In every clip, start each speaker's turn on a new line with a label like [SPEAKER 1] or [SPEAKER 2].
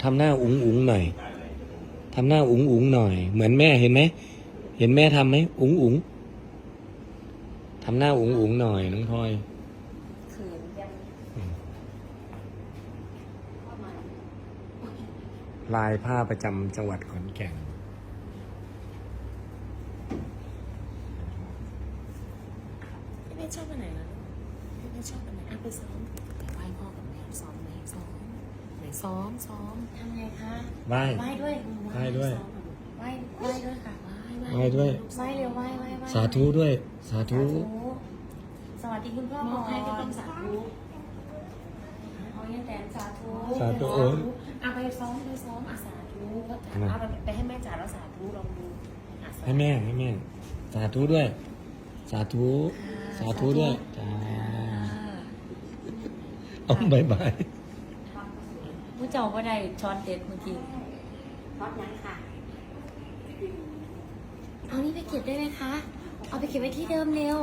[SPEAKER 1] ทำหน้าอุ๋งอุ๋งหน่อยทำหน้าอุ๋งอุ๋งหน่อยเหมือนแม่เห็นไหมเห็นแม่ทำไหมอุ๋งอุ๋งทำหน้าอุ๋งอุ๋งหน่อยน้องพลอยลายผ้าประจำจังหวัดขอนแก่น
[SPEAKER 2] พี่ไม่ชอบอันไหนล่ะพี่ไม่ชอบอันไหนไปซ้อมไปไหว้พ่อกับแม่ซ้อมไหมซ้อมไหนซ้อมทำไงคะ
[SPEAKER 1] ไหว้
[SPEAKER 2] ไหว้ด้วย
[SPEAKER 1] ไหว้ด้วย
[SPEAKER 2] ไหว้ด้วยค่ะไหว้
[SPEAKER 1] ไหว้ด้วย
[SPEAKER 2] ไหว้เร็วไหว้
[SPEAKER 1] สาธุด้วยสาธุ
[SPEAKER 2] สวัสดีคุณพ่อมองให้ก็ต้องสาธุเอาเงี้ยแต่สาธุ
[SPEAKER 1] สาธุโอ้ย
[SPEAKER 2] เอาไปซ้อมอ่ะสาธุก็เอาไปให้แม่จ๋าแล้วสาธุลองดูอ่ะสาธุ
[SPEAKER 1] ให้แม่สาธุด้วยสาธุสาธุด้วยจ้าเอาบายบาย
[SPEAKER 2] ผู้เจ้าก็ได้ช้อนเด็ดเมื่อกี้
[SPEAKER 3] ทอดยังค่ะ
[SPEAKER 2] เอานี่ไปเก็บได้ไหมคะ เอาไปเก็บไว้ที่เดิมเร็ว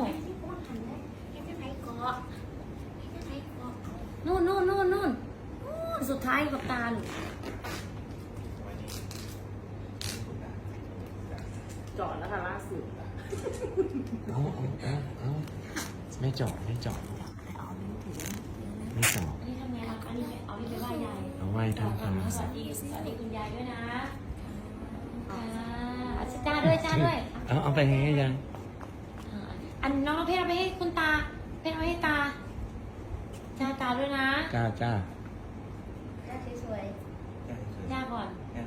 [SPEAKER 2] นู่นสุดท้ายกับตาลจอดแล้วค่ะล่าสุด
[SPEAKER 1] เอาไม่จอดไม่จอด
[SPEAKER 2] อันนี้ทำไงคะเอานี่ไปไหว้ยาย
[SPEAKER 1] เอาไหว้ท่านก่อน
[SPEAKER 2] สวัสดีคุณยายด้วยนะจ้าด้วย
[SPEAKER 1] เอาไปให้ยัง
[SPEAKER 2] อันน้องเพชรเอาไปให้คุณตาเพชรเอาให้ตาตาด้วยนะ
[SPEAKER 1] จ้า
[SPEAKER 3] จ้าสวย
[SPEAKER 2] ย่าก่อน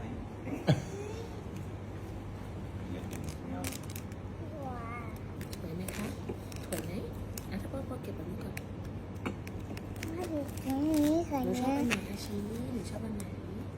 [SPEAKER 2] สวยไหมคะสวยไหมอ่ะถ้าพ่อเก็บแบบนี้ก่อน
[SPEAKER 3] มาดูตรงนี้ก่อน
[SPEAKER 2] หนูชอบ
[SPEAKER 3] นะ
[SPEAKER 2] อันไหนคะชี้หนูชอบอันไหน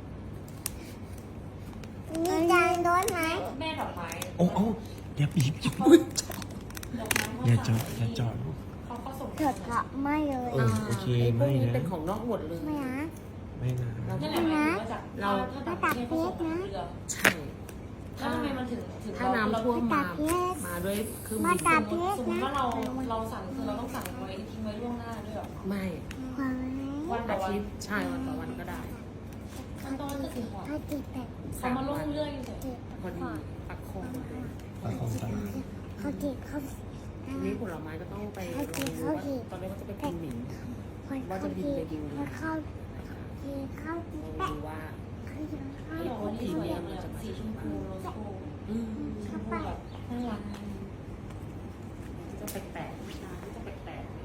[SPEAKER 3] มีจานโดนไหม
[SPEAKER 2] แม่ดอกไม้
[SPEAKER 1] โอ้อย่าบีบ
[SPEAKER 2] ดอกไม้
[SPEAKER 1] อย่าจอด
[SPEAKER 2] เขาส่ง
[SPEAKER 3] เถิดค่ะไม่เลย
[SPEAKER 1] โอเค
[SPEAKER 2] พวกนี้
[SPEAKER 1] ไม่นะ
[SPEAKER 2] เป็นของนอกหมดเลย
[SPEAKER 3] ไม่นะ
[SPEAKER 1] ไม่นะ
[SPEAKER 2] นั่นแหละหมายถึงว่าจากเราถ้าต่างประเทศเขาส่งทางเรือ
[SPEAKER 4] ใช่
[SPEAKER 2] แล้วทำไมมันถึง
[SPEAKER 4] ถ้าน้ำท่วมมาด้วยเครื่อง
[SPEAKER 3] มา
[SPEAKER 4] บิน
[SPEAKER 3] ตาเพช
[SPEAKER 2] ส
[SPEAKER 3] ร
[SPEAKER 2] มมติ
[SPEAKER 3] นะ
[SPEAKER 2] ว่าเราสั่งคือเราต้องสั่งไว้ทิ้งไว้ล่วงหน้าด้วยหรอ
[SPEAKER 4] ไม่
[SPEAKER 3] ความ
[SPEAKER 2] วันต่อ
[SPEAKER 4] อา
[SPEAKER 2] วัน
[SPEAKER 4] ทิตย์ใช่วันต่อวันก็ได้
[SPEAKER 2] ขั้นตอนคือสี่ห่อ
[SPEAKER 3] เขาติดแบบ
[SPEAKER 2] เขามาล่วงเรื่อยอยู่แต่
[SPEAKER 3] ติด
[SPEAKER 4] พอดีปักโคมมาด้วย
[SPEAKER 1] เอาของตา
[SPEAKER 3] เขาติดเขา
[SPEAKER 4] ทีนี้ผลไม้ก็ต้องไปลองดูว่าตอนแรกว่าจะไปกินหมิ่น
[SPEAKER 3] เขาติดเขาติดเขาติด
[SPEAKER 4] ลอง
[SPEAKER 3] แปะ
[SPEAKER 4] ดูว่า
[SPEAKER 3] เขาติดเขา
[SPEAKER 2] ที่บอกว่านี่สวยอย่างเลยสีชมพูโรสโกชมพูแบบน่ารัก
[SPEAKER 4] จะแปลกๆจะแปลก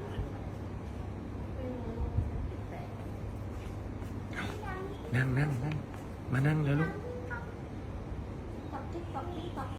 [SPEAKER 4] ๆ
[SPEAKER 1] นั่งมานั่งแล้วลูก